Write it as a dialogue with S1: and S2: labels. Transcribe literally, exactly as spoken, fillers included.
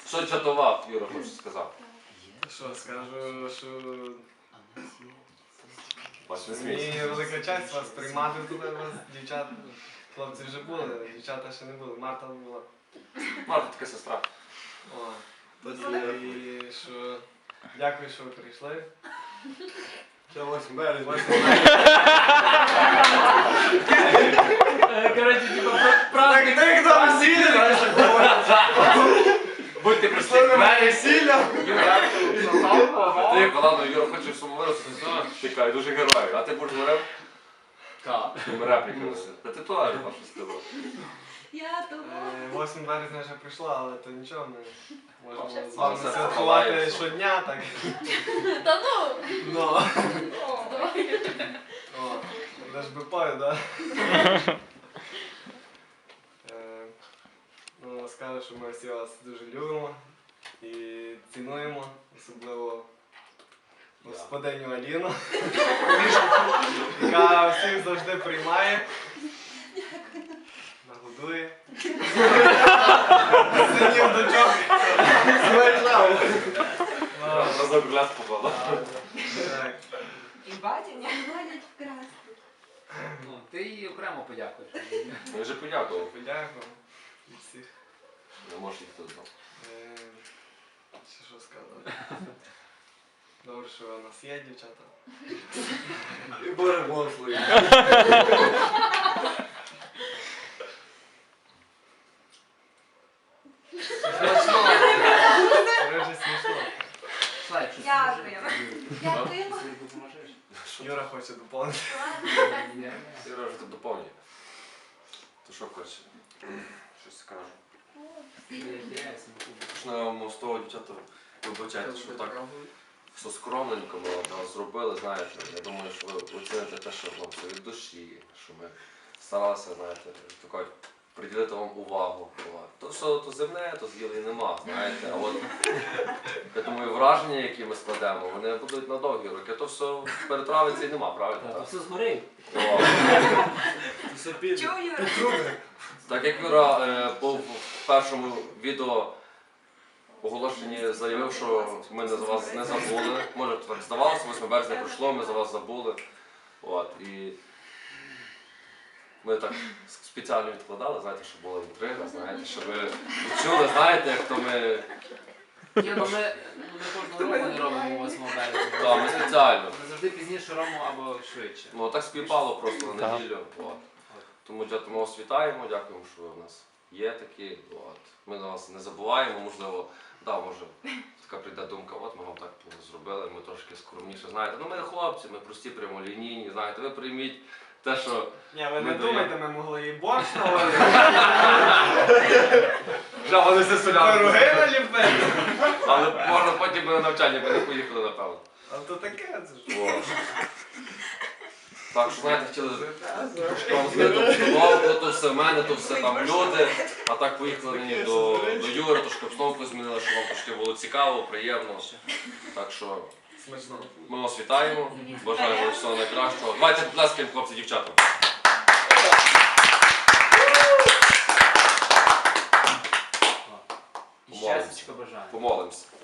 S1: Що чатував, Юра, хочеш сказати?
S2: Що, скажу, що
S1: Бач, не смійся.
S2: мені велика честь вас приймати тут, вас, дівчат. Хлопці вже були, дівчата ще не були, Марта була.
S1: Марта така сестра.
S2: О, і що, дякую, що ви прийшли.
S3: Це восьмого березня.
S4: Короче, типа, праздник.
S3: Так там весілля,
S1: Будьте прийшли.
S3: весілля.
S1: Ти, ладно, Юра хоче сумовирости, чекай, дуже герой. А ти будеш говорив?
S4: Так.
S1: Репліки носи. Та ти теж, Паша, сказав.
S5: Я того.
S2: восьмого березня вже прийшла, але то нічого, ми можемо з
S1: Але
S2: вами
S1: все
S2: святкувати
S1: ховається.
S2: щодня, так.
S5: Та ну!
S2: Ну,
S5: Давай.
S2: о, де ж би пою, да? Е, Ну, скажу, що ми всі вас дуже любимо і цінуємо, особливо господиню Аліну, яка всіх завжди приймає, нагодує. Синів дочок.
S1: Разок гляд попала.
S2: Так.
S5: І батя не ходять вкрасти.
S4: Ну, ти їй окремо подякуєш.
S1: Я вже подякував.
S2: Подякую від всіх.
S1: Не можеш їх тут знав.
S2: Е, Ще що сказати? Добре, що у нас є дівчата.
S3: І Боже благослови.
S2: Смішно. Це вже смішно.
S4: Слайк, що
S5: Дякуємо. Дякуємо.
S4: Ти допоможеш?
S2: Юра хоче доповнити.
S4: Ні.
S1: Юра вже тут доповнює. То що хочеш? Щось скажу. Почнемо з того, дівчата, вибачайте, що так все скромненько ми от зробили, знаєте. Я думаю, що ви оціните те, що вам все від душі, що ми старалися, знаєте, тако, приділити вам увагу. То все то земне, то з'їли нема, знаєте. А от, я думаю, враження, які ми складемо, вони будуть на довгі роки. То все перетравиться і нема, правильно?
S4: Та
S1: Так?
S4: все згорів.
S1: О.
S3: Все піде.
S5: Чого, Юра?
S1: Так як Юра е, був в першому відео оголошенні заявив, що ми за вас не забули. Може так здавалося, восьмого березня пройшло, ми за вас забули. От, і ми так спеціально відкладали, знаєте, щоб була інтрига, знаєте, щоб ви відчули, знаєте, як то ми...
S4: Ні, ну ми, ну, ми кожного року не робимо восьмого березня.
S1: Так, ми спеціально.
S4: Ми завжди пізніше робимо або швидше.
S1: Ну так співпало просто на неділю. От. Тому дякую, ми вас вітаємо, дякуємо, що ви в нас є такі. От. Ми на вас не забуваємо, можливо, да, може така прийде думка, от ми вам так зробили, ми трошки скромніше, знаєте. Ну ми хлопці, ми прості, прямолінійні, знаєте, ви прийміть те, що...
S2: Ні, ви
S1: Ми
S2: не
S1: даємо.
S2: думайте, ми могли і борщ наварити,
S1: Вже вони все
S2: пироги наліпити.
S1: Але можна потім би на навчання би не поїхали, напевно.
S2: А то таке, це ж.
S1: О. Так що, знаєте, хотіли вам змінити обстановку, то все в мене, то все там люди. А так поїхали мені до, до Юри, трошки обстановку змінили, щоб вам трошки було цікаво, приємно. Так що
S2: Смачно.
S1: ми вас вітаємо, бажаємо всього найкращого. Давайте поплескаємо, хлопці, дівчата.
S4: І щастячка бажаю.
S1: Помолимося.